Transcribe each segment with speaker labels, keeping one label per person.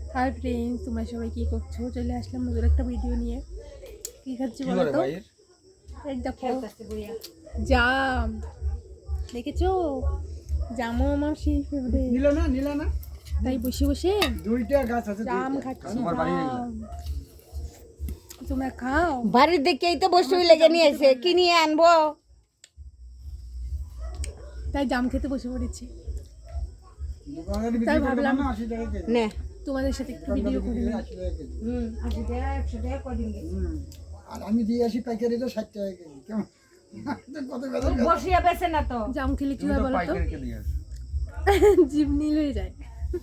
Speaker 1: Hi friends, তোমরা সবাই কী করছো? চলে আসলাম নতুন একটা ভিডিও নিয়ে। কী খাচ্ছি বলো তো? এই দেখো জাম, দেখেছো? জামও আমার সেই ফেভারিট।
Speaker 2: নিল না
Speaker 1: তাই বসে বসে
Speaker 2: দুইটা গাছ আছে
Speaker 1: জাম খাচ্ছি। জাম তোমরা খাও?
Speaker 3: বাড়ির দেখেই তো বসে লেগে নিয়ে এসে কি নিয়ে আনবো।
Speaker 1: তাই জাম খেতে বসে পড়েছি।
Speaker 2: দোকানদার
Speaker 1: তাই
Speaker 2: বিক্রি করবে
Speaker 1: ভাবলাম
Speaker 2: না 80 টাকা কেজি
Speaker 3: নে
Speaker 1: তোমাদের সাথে একটু ভিডিও করি।
Speaker 2: 80 টাকা কেজি
Speaker 3: 80 টাকা 100 টাকা কদিন
Speaker 2: আর আমি দিয়ে আসি পাইকারি তো 60 টাকা কেজি কেমন কত বেতন
Speaker 3: বসিয়া বেছে না তো।
Speaker 1: জাম খেলে কি হয় বলো তো? জিভ নীল হয়ে যায়।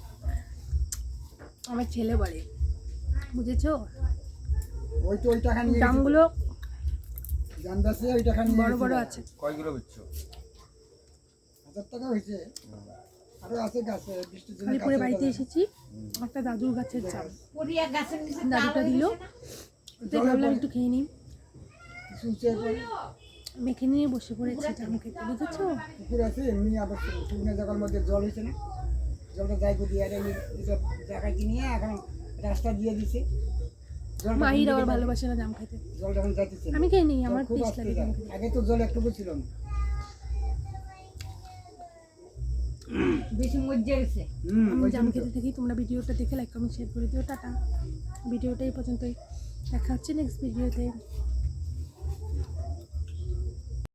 Speaker 1: আমার ছেলে বলে, বুঝেছো?
Speaker 2: ওই তো ওই টাকা নিয়ে
Speaker 1: জামগুলো
Speaker 2: জানদাসে ওই টাকা নিয়ে
Speaker 1: বড় বড় আছে।
Speaker 4: কয় কিলো বেচছো?
Speaker 2: 1000 টাকা হয়েছে আরো আছে গাছে বৃষ্টির জন্য
Speaker 1: কালীপুরে বাড়িতে এসেছি, একটা দাদুর গাছের জাম।
Speaker 3: পুরিয়া গাছের নিচে
Speaker 1: দাদুটা দিল, তাই ভাবলাম একটু খেয়ে নিই।
Speaker 2: শুনছে
Speaker 1: মেখে নিয়ে বসে পড়েছে জাম খেতে, বুঝেছো?
Speaker 2: পুকুর আছে এমনি আবার শুকনো জায়গার মধ্যে জল হয়েছে না, জলটা যাই দিয়ে আর এইসব জায়গায় নিয়ে এখন রাস্তা দিয়ে দিছে।
Speaker 1: মাহির আবার ভালোবাসে না জাম খেতে।
Speaker 2: জল যখন যাইতেছে
Speaker 1: আমি খেয়ে নিই, আমার
Speaker 2: খুব
Speaker 1: টেস্ট
Speaker 2: আসতে
Speaker 1: লাগে
Speaker 2: যায়।
Speaker 1: জাম খেতে।
Speaker 2: আগে তো জল একটুকু ছিল না।
Speaker 3: বেশি মজ্জা গেছে।
Speaker 1: আমি জাম খেতে থাকি। তোমরা ভিডিওটা দেখে লাইক কমেন্ট শেয়ার করে দিও। টাটা। ভিডিওটা এই পর্যন্তই, দেখা হচ্ছে নেক্সট ভিডিওতে।